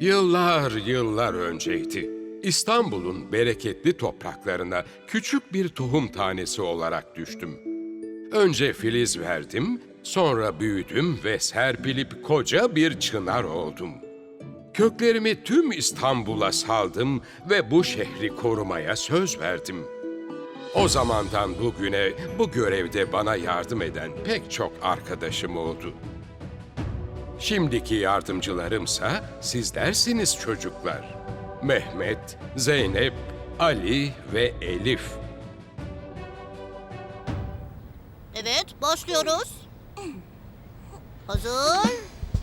Yıllar yıllar önceydi. İstanbul'un bereketli topraklarına küçük bir tohum tanesi olarak düştüm. Önce filiz verdim, sonra büyüdüm ve serpilip koca bir çınar oldum. Köklerimi tüm İstanbul'a saldım ve bu şehri korumaya söz verdim. O zamandan bugüne bu görevde bana yardım eden pek çok arkadaşım oldu. Şimdiki yardımcılarımsa sizlersiniz çocuklar. Mehmet, Zeynep, Ali ve Elif. Evet, başlıyoruz. Hazır.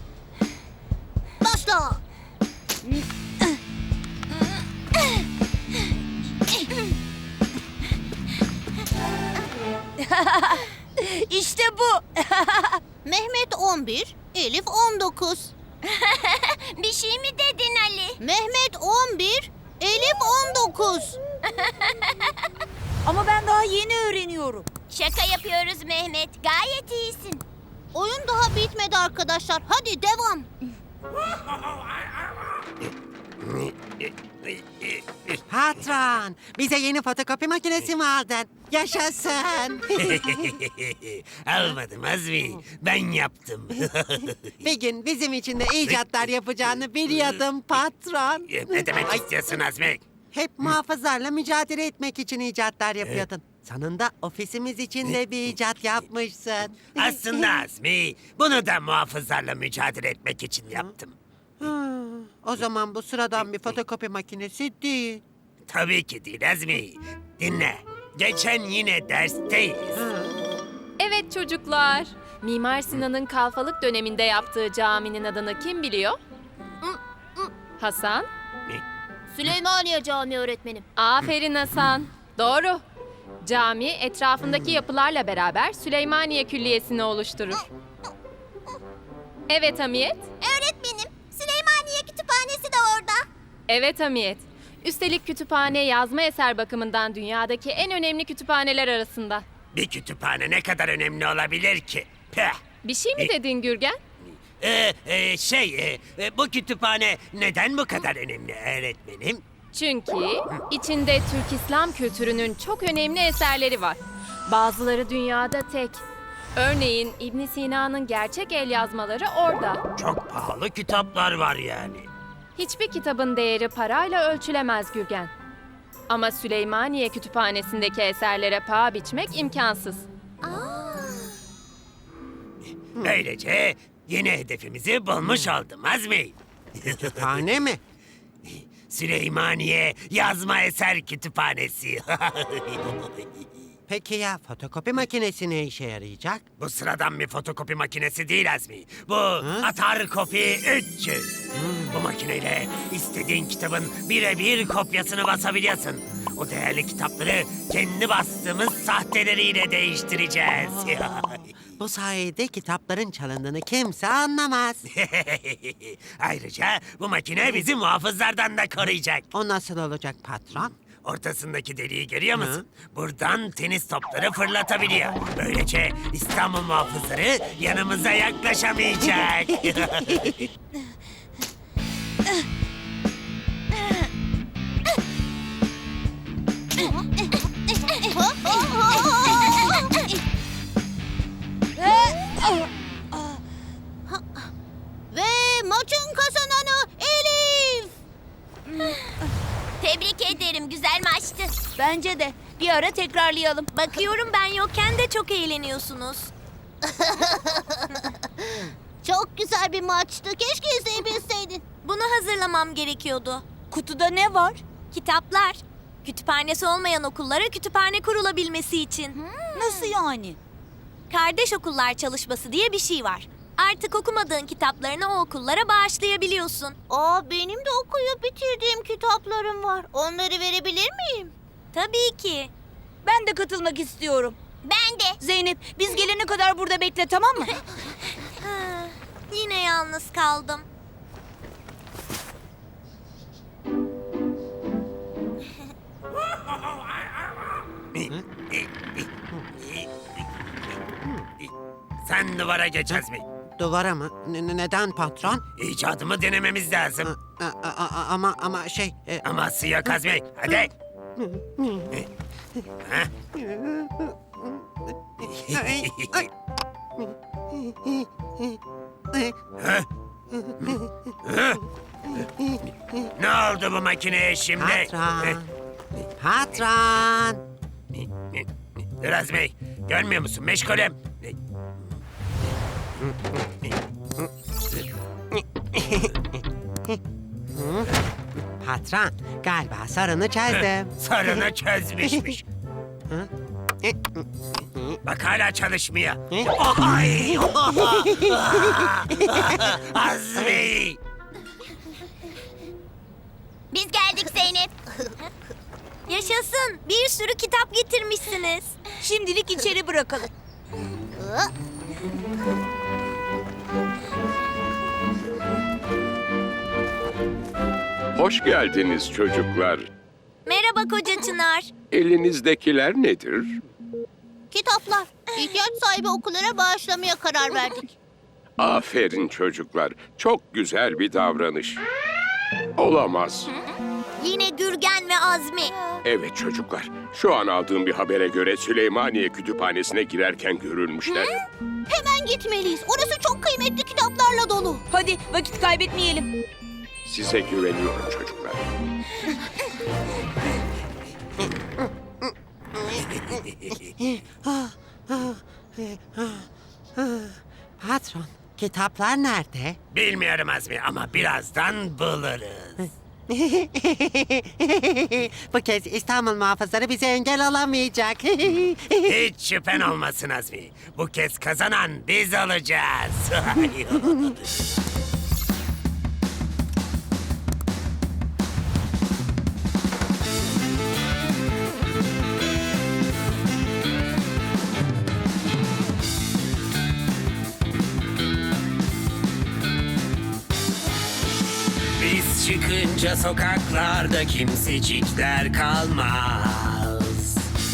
Başla. İşte bu. Mehmet 11, Elif 19. Bir şey mi dedin Ali? Mehmet 11, Elif 19. Ama ben daha yeni öğreniyorum. Şaka yapıyoruz Mehmet. Gayet iyisin. Oyun daha bitmedi arkadaşlar. Hadi devam. Patron, bize yeni fotokopi makinesi mi aldın? Yaşasın. Almadım Azmi. Ben yaptım. Bir gün bizim için de icatlar yapacağını biliyordum patron. Ne demek istiyorsun Azmi? Hep muhafızlarla mücadele etmek için icatlar yapıyordun. Sonunda ofisimiz için de bir icat yapmışsın. Aslında Azmi, bunu da muhafızlarla mücadele etmek için yaptım. O zaman bu sıradan bir fotokopi makinesi değil. Tabii ki değil Azmi. Dinle. Geçen yine dersteyiz. Evet çocuklar. Mimar Sinan'ın kalfalık döneminde yaptığı caminin adını kim biliyor? Hasan? Süleymaniye Camii öğretmenim. Aferin Hasan. Doğru. Cami etrafındaki yapılarla beraber Süleymaniye Külliyesi'ni oluşturur. Evet Hamiyet. Öğretmenim, Süleymaniye Kütüphanesi de orada. Evet Hamiyet. Üstelik kütüphane yazma eser bakımından dünyadaki en önemli kütüphaneler arasında. Bir kütüphane ne kadar önemli olabilir ki? Peh. Bir şey mi dedin Gürgen? Bu kütüphane neden bu kadar önemli öğretmenim? Çünkü içinde Türk İslam kültürünün çok önemli eserleri var. Bazıları dünyada tek. Örneğin İbn Sina'nın gerçek el yazmaları orada. Çok pahalı kitaplar var yani. Hiçbir kitabın değeri parayla ölçülemez Gürgen. Ama Süleymaniye Kütüphanesi'ndeki eserlere paha biçmek imkansız. Böylece yeni hedefimizi bulmuş oldum Azmi. Kütüphane mi? Süleymaniye Yazma Eser Kütüphanesi. Peki ya fotokopi makinesi ne işe yarayacak? Bu sıradan bir fotokopi makinesi değil Azmi. Bu Atar Kopi 300. Bu makineyle istediğin kitabın birebir kopyasını basabiliyorsun. O değerli kitapları kendi bastığımız sahteleriyle değiştireceğiz. Bu sayede kitapların çalındığını kimse anlamaz. Ayrıca bu makine bizi muhafızlardan da koruyacak. O nasıl olacak patron? Ortasındaki deliği görüyor musun? Buradan tenis topları fırlatabiliyor. Böylece İstanbul muhafızları yanımıza yaklaşamayacak. Ve maçın kazananı Elif. Tebrik ederim. Güzel maçtı. Bence de. Bir ara tekrarlayalım. Bakıyorum ben yokken de çok eğleniyorsunuz. Çok güzel bir maçtı. Keşke izleyebilseydin. Bunu hazırlamam gerekiyordu. Kutuda ne var? Kitaplar. Kütüphanesi olmayan okullara kütüphane kurulabilmesi için. Nasıl yani? Kardeş okullar çalışması diye bir şey var. Artık okumadığın kitaplarını o okullara bağışlayabiliyorsun. Benim de okuyup bitirdiğim kitaplarım var. Onları verebilir miyim? Tabii ki. Ben de katılmak istiyorum. Ben de. Zeynep, biz gelene kadar burada bekle, tamam mı? Yine yalnız kaldım. Sen duvara geç Azmi. Duvara mı? Neden patron? İcadımı denememiz lazım. Ama şey... Aması yok Azmi. Hadi. Ha? Ha? Ne oldu bu makineye şimdi? Patron. Patron. Dur Azmi. Görmüyor musun? Meşgulüm. Patron, galiba sorunu çözdüm. Sorunu çözmüşmüş. Bak hala çalışmıyor. Ay! Azmi! Biz geldik Zeynep. Yaşasın. Bir sürü kitap getirmişsiniz. Şimdilik içeri bırakalım. Hoş geldiniz çocuklar. Merhaba Koca Çınar. Elinizdekiler nedir? Kitaplar. İhtiyaç sahibi okullara bağışlamaya karar verdik. Aferin çocuklar. Çok güzel bir davranış. Olamaz. Yine Gürgen ve Azmi. Evet çocuklar. Şu an aldığım bir habere göre Süleymaniye Kütüphanesi'ne girerken görülmüşler. Hemen gitmeliyiz. Orası çok kıymetli kitaplarla dolu. Hadi vakit kaybetmeyelim. Size güveniyorum çocuklar. Patron, kitaplar nerede? Bilmiyorum Azmi ama birazdan buluruz. Bu kez İstanbul muhafızları bize engel olamayacak. Hiç şüphen olmasın Azmi. Bu kez kazanan biz olacağız. Biz çıkınca sokaklarda kimsecikler kalmaz.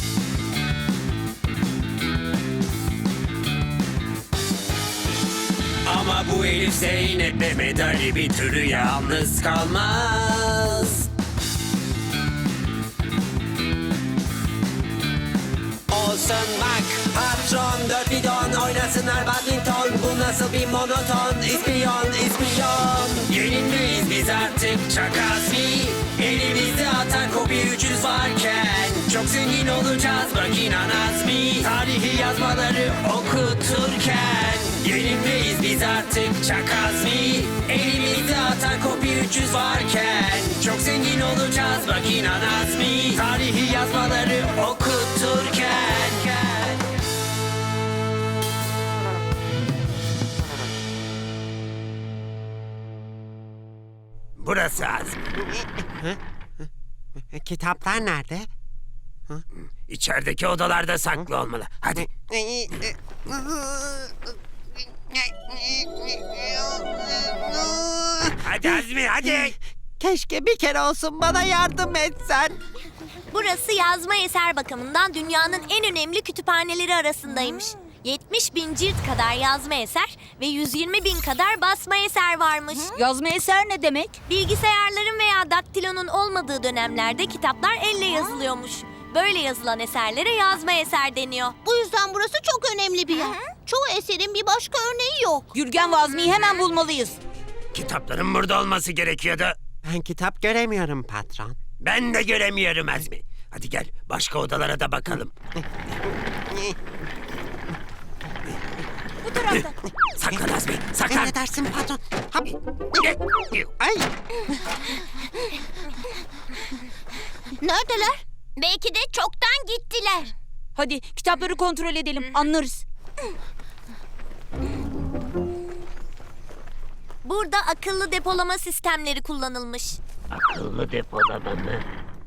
Ama bu Elif Zeynep Mehmet Ali bir türlü yalnız kalmaz. Olsun bak patron dört bidon oynasınlar badminton. Bu nasıl bir monoton ispiyon ispiyon. Yenilmeyiz biz artık çakasi. Elimizde atar kopi 300 varken. Çok zengin olacağız bak inan Azmi. Tarihi yazmaları okuturken. Yenilmeyiz biz artık çakazmi. Elimizde atar kopi 300 varken. Çok zengin olacağız bak inan Azmi. Tarihi yazmaları okuturken. Burası Azmi. Kitaplar nerede? İçerideki odalarda saklı olmalı. Hadi. Hadi Azmi hadi. Keşke bir kere olsun bana yardım etsen. Burası yazma eser bakımından dünyanın en önemli kütüphaneleri arasındaymış. 70.000 cilt kadar yazma eser ve 120.000 kadar basma eser varmış. Yazma eser ne demek? Bilgisayarların veya daktilonun olmadığı dönemlerde kitaplar elle yazılıyormuş. Böyle yazılan eserlere yazma eser deniyor. Bu yüzden burası çok önemli bir yer. Çoğu eserin bir başka örneği yok. Gürgen ve Azmi'yi hemen bulmalıyız. Kitapların burada olması gerekiyordu. Ben kitap göremiyorum patron. Ben de göremiyorum Azmi. Hadi gel başka odalara da bakalım. Bu tarafta. Saklan Azmi saklan. Emredersin patron. Hap. Ay. Neredeler? Belki de çoktan gittiler. Hadi kitapları kontrol edelim. Anlarız. Burada akıllı depolama sistemleri kullanılmış. Akıllı depolama mı?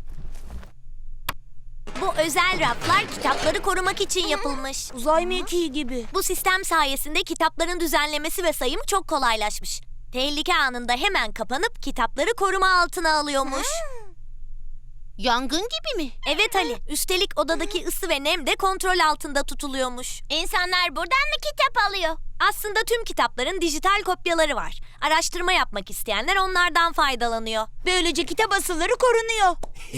Bu özel raflar kitapları korumak için yapılmış. Uzay mekiği gibi. Bu sistem sayesinde kitapların düzenlemesi ve sayımı çok kolaylaşmış. Tehlike anında hemen kapanıp kitapları koruma altına alıyormuş. Yangın gibi mi? Evet Ali, üstelik odadaki ısı ve nem de kontrol altında tutuluyormuş. İnsanlar buradan mı kitap alıyor? Aslında tüm kitapların dijital kopyaları var. Araştırma yapmak isteyenler onlardan faydalanıyor. Böylece kitap asılları korunuyor.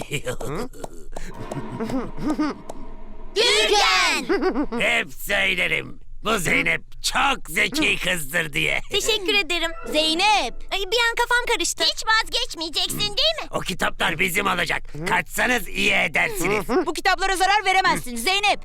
Gürgen! Hep söylerim. Bu Zeynep çok zeki kızdır diye. Teşekkür ederim. Zeynep. Ay, bir an kafam karıştı. Hiç vazgeçmeyeceksin değil mi? O kitaplar bizim olacak. Kaçsanız iyi edersiniz. Bu kitaplara zarar veremezsin Zeynep.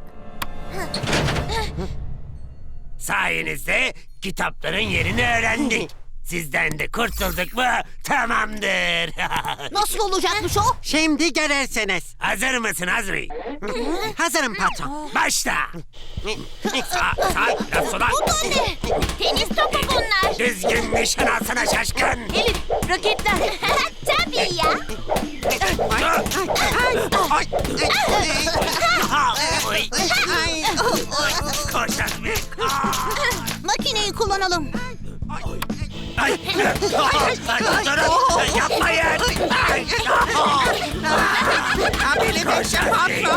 Sayenizde kitapların yerini öğrendik. Sizden de kurtulduk mu tamamdır. Nasıl olacakmış o? Şimdi görürsünüz. Hazır mısın Azmi? Hazırım patron. Başla. Sağ, biraz sola. Bu da ne? Tenis topu bunlar. Düzgün nişan alsana şaşkın. Elif, raketler. Tabii ya. Oy. Koş Azmi. Makineyi kullanalım. Ay. Durun. Yapmayın. Ay. Beni bekle patron.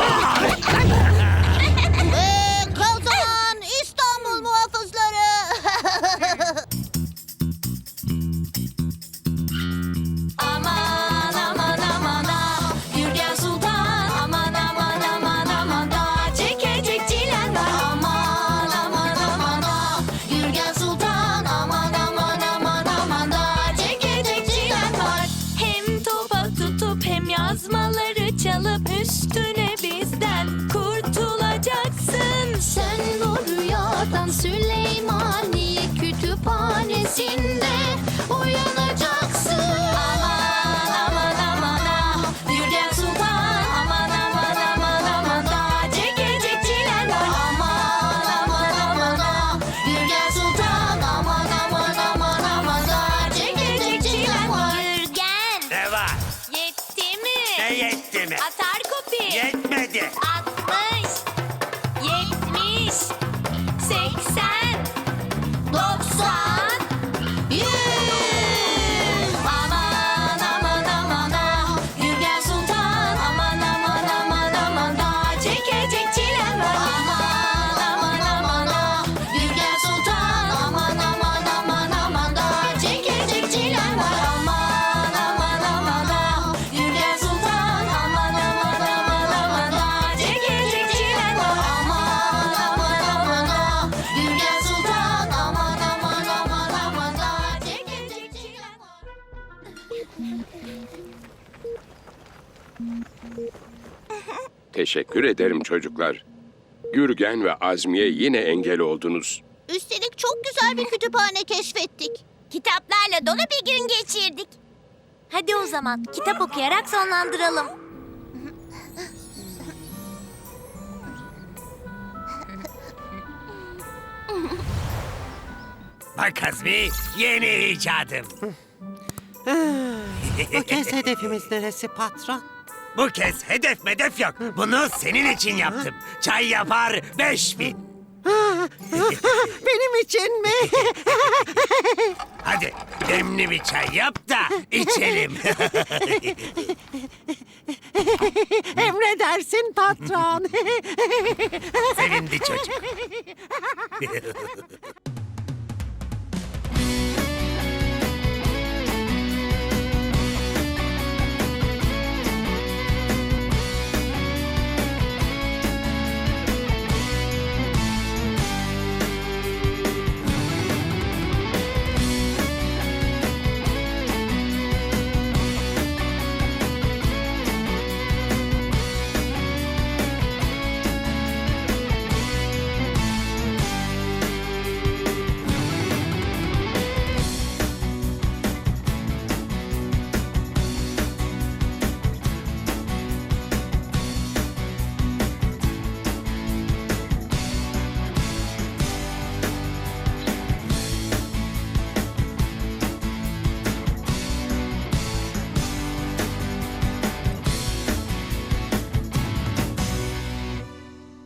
Kazan İstanbul muhafızları. Aman aman aman ah, Gürgen Sultan. Aman aman aman aman da çekecek çilen var. Aman aman aman ah, Gürgen Sultan. Aman aman aman aman da çekecek çilen var. Hem topa tutup hem yazmaları çalıp üstüne bizden kurtulacaksın. Sen bu rüyadan Süleymaniye kütüphanesinde uyanacaksın. Aman aman aman ah, Gürgen Sultan. Aman aman aman aman da çekecek çilen var. Aman aman aman ah, Gürgen Sultan. Aman aman aman aman da çekecek çilen var. Gürgen, Ne var? yetti mi? Ne yetti mi? Atar kopi. Yetmedi. 60, 70, 80, 90, 100. Aman aman aman ah, Gürgen Sultan. Aman aman aman aman da çekecek çilen var. Aman aman aman ah, Gürgen Sultan. Aman aman aman aman da çekecek çilen var. Aman aman aman ah, Gürgen Sultan. Aman aman aman aman da çekecek çilen var. Aman aman aman ah, Gürgen Sultan. Aman aman aman aman da çekecek çilen var. Teşekkür ederim çocuklar. Gürgen ve Azmi'ye yine engel oldunuz. Üstelik çok güzel bir kütüphane keşfettik. Kitaplarla dolu bir gün geçirdik. Hadi o zaman kitap okuyarak sonlandıralım. Bak Azmi, yeni icadım. Bu kez hedefimiz neresi patron? Bu kez hedef medef yok. Bunu senin için yaptım. Çay yapar 5000. Benim için mi? Hadi demli bir çay yap da içelim. Emredersin patron. Sevindi çocuk.